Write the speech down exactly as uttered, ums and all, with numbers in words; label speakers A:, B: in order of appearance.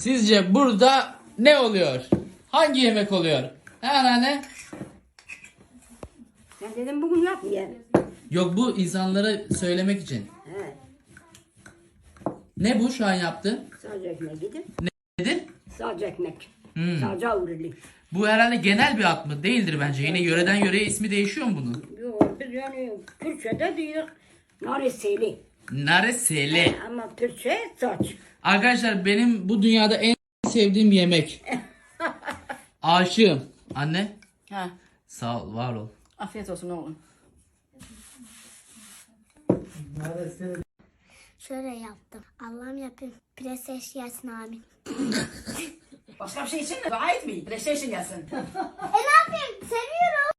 A: Sizce burada ne oluyor? Hangi yemek oluyor? He anneanne?
B: Ben dedim bugün yapmayayım.
A: Yok, bu insanlara söylemek için.
B: He.
A: Ne bu şu an yaptı?
B: Sadece ekmek gidip.
A: Nedir?
B: Sadece ekmek.
A: Hmm.
B: Sadece uğurlu.
A: Bu herhalde genel bir ad mı? Değildir bence. Yine yöreden yöreye ismi değişiyor mu bunun?
B: Yok biz yani Türkçe'de diyor nareseli.
A: Naresele.
B: Ama Türkçe saç.
A: Arkadaşlar benim bu dünyada en sevdiğim yemek. Aşığım. Anne
C: Ha,
A: sağ ol, var ol.
C: afiyet olsun oğlum.
D: Şöyle yaptım. Allah'ım yapayım. PlayStation gelsin amin.
C: Başka bir şey için mi? Dua etmeyin. PlayStation gelsin.
D: E ne yapayım? Seviyorum.